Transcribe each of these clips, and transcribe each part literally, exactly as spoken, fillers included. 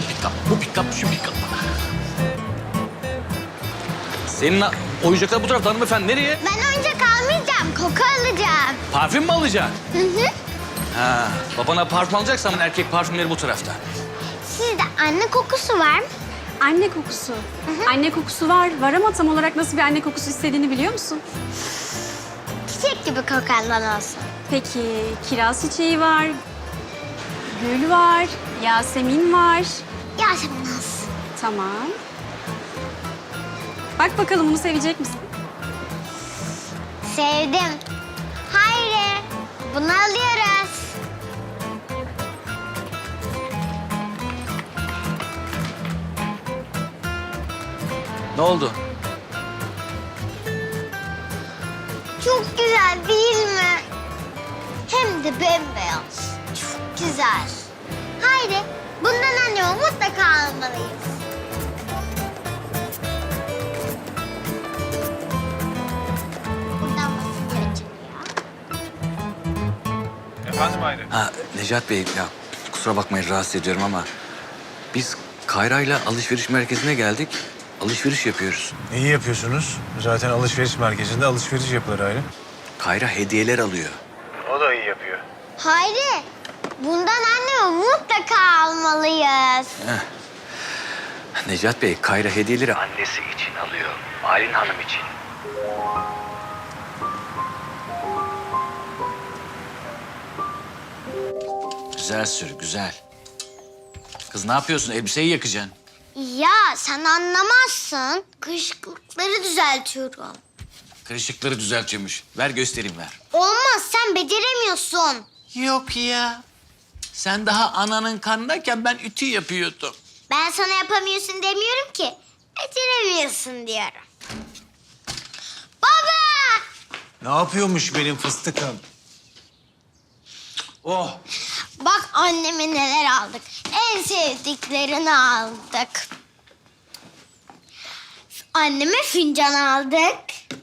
pick-up, bu pick-up, şu pick-up. Senin oyuncaklar bu tarafta hanımefendi. Nereye? Ben oyuncak almayacağım, koku alacağım. Parfüm mü alacaksın? Hı hı. Ha, babana parfüm alacaksan erkek parfümleri bu tarafta. Sizde anne kokusu var mı? Anne kokusu. Anne kokusu var. Var ama tam olarak nasıl bir anne kokusu istediğini biliyor musun? Çiçek gibi kokandan olsun. Peki kiraz çiçeği var. Gül var. Yasemin var. Yasemin olsun. Tamam. Bak bakalım bunu sevecek misin? Sevdim. Hayri, bunu alıyoruz. Ne oldu? Çok güzel değil mi? Hem de bembeyaz. Çok güzel. Hayri, bundan anneme mutlaka almalıyız. Buradan basınca açılıyor. Efendim Hayri? Ha, Necat Bey, ya kusura bakmayın rahatsız ediyorum ama... ...biz Kayra'yla alışveriş merkezine geldik. Alışveriş yapıyoruz. İyi yapıyorsunuz. Zaten alışveriş merkezinde alışveriş yapılır Hayri. Kayra hediyeler alıyor. O da iyi yapıyor. Hayri, bundan anneme mutlaka almalıyız. Necat Bey, Kayra hediyeleri annesi için alıyor. Aylin Hanım için. Güzel sür, güzel. Kız ne yapıyorsun? Elbiseyi yakacaksın. Ya sen anlamazsın. Kışkırtları düzeltiyorum. Kırışıkları düzeltiyormuş. Ver göstereyim ver. Olmaz, sen beceremiyorsun. Yok ya. Sen daha ananın karnındayken ben ütü yapıyordum. Ben sana yapamıyorsun demiyorum ki. Beceremiyorsun diyorum. Baba! Ne yapıyormuş benim fıstıkım? Oh! Bak anneme neler aldık. En sevdiklerini aldık. Anneme fincan aldık.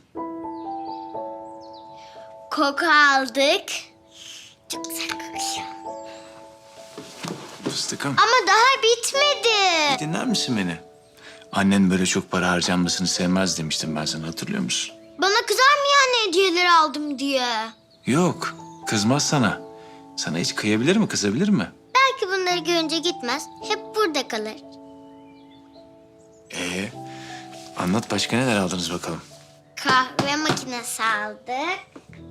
Koku aldık. Çok güzel kokuyor. Fıstıkım, Ama daha bitmedi. dinler misin beni? Annen böyle çok para harcanmasını sevmez demiştim ben sana, hatırlıyor musun? Bana kızar mı yani hediyeleri aldım diye? Yok, kızmaz sana. Sana hiç kıyabilir mi, kızabilir mi? Belki bunları görünce gitmez. Hep burada kalır. Ee, anlat başka neler aldınız bakalım. Kahve makinesi aldık.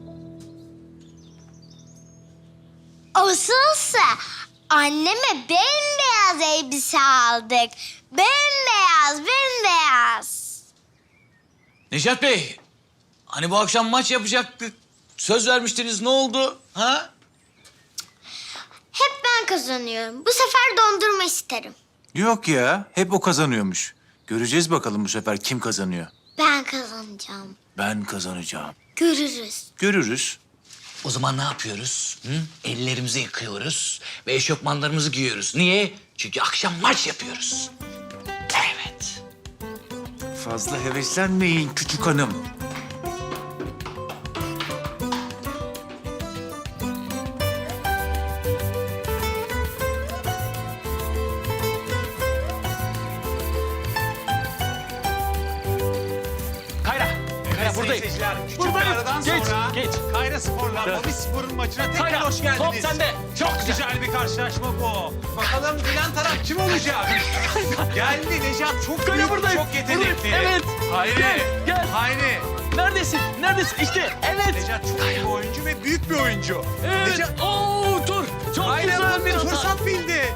Asılsa anneme bembeyaz elbise aldık. Bembeyaz, bembeyaz. Necat Bey, hani bu akşam maç yapacaktık. Söz vermiştiniz, ne oldu? Ha? Hep ben kazanıyorum. Bu sefer dondurma isterim. Yok ya, hep o kazanıyormuş. Göreceğiz bakalım bu sefer kim kazanıyor. Ben kazanacağım. Ben kazanacağım. Görürüz. Görürüz. O zaman ne yapıyoruz? Hı? Ellerimizi yıkıyoruz ve eşofmanlarımızı giyiyoruz. Niye? Çünkü akşam maç yapıyoruz. Evet. Fazla heveslenmeyin küçük hanım. Kayra, Kayra buradayım. Buradayım. Aradan Geç, sonra geç. Kayra Spor'la Bobby Spor'un maçına tekrar Kayra, hoş geldiniz. top sende. Çok güzel. Güzel bir karşılaşma bu. Bakalım bilen taraf kim olacak? Geldi Necat. Çok Kayra büyük, buradayım. çok yetenekli. Buradayım, evet. Hayri. Gel, gel. Hayri. Neredesin? Neredesin? İşte, evet. Necat çok iyi bir oyuncu ve büyük bir oyuncu. Evet. Necat, Oo, dur. Çok Hayri güzel hemen bir hata. fırsat bildi.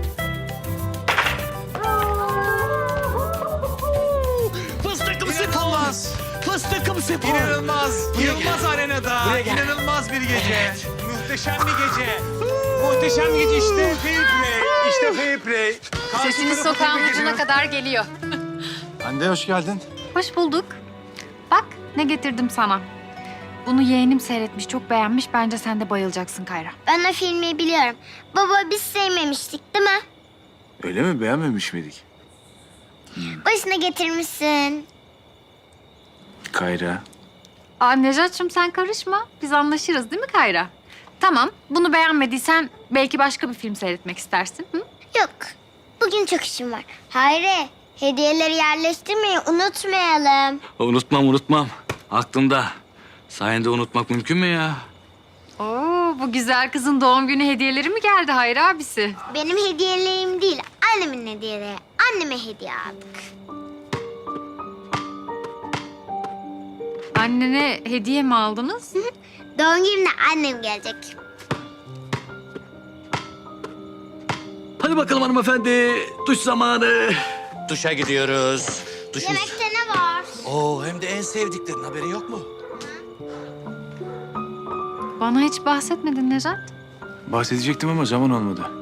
Fıstıkım spor. İnanılmaz. Fıstıkım spor. İnanılmaz. Yılmaz Arena'da. Buraya gel. İnanılmaz bir gece. Muhteşem bir gece. Muhteşem bir gece. İşte fair play. İşte fair play. Karşı Sesiniz tarafa sokağın tebrik ucuna ediyorum. kadar geliyor. Hande hoş geldin. Hoş bulduk. Bak ne getirdim sana. Bunu yeğenim seyretmiş, çok beğenmiş. Bence sen de bayılacaksın Kayra. Ben o filmi biliyorum. Baba biz sevmemiştik değil mi? Öyle mi, beğenmemiş miydik? Başına getirmişsin. Kayra. Aa Necat'cığım sen karışma. Biz anlaşırız değil mi Kayra? Tamam, bunu beğenmediysen belki başka bir film seyretmek istersin. Hı? Yok. bugün çok işim var. Hayri, hediyeleri yerleştirmeyi unutmayalım. Unutmam unutmam. Aklımda. Sayende unutmak mümkün mü ya? Oo, bu güzel kızın doğum günü hediyeleri mi geldi Hayri abisi? Benim hediyelerim değil, annemin hediyeleri. Anneme hediye aldık. Annene hediye mi aldınız? Doğum gününe annem gelecek. Hadi bakalım hanımefendi. Duş zamanı. Duşa gidiyoruz. Duşuz. Yemekte ne var? Oo, hem de en sevdiklerin haberin yok mu? Bana hiç bahsetmedin Nejat. Bahsedecektim ama zaman olmadı.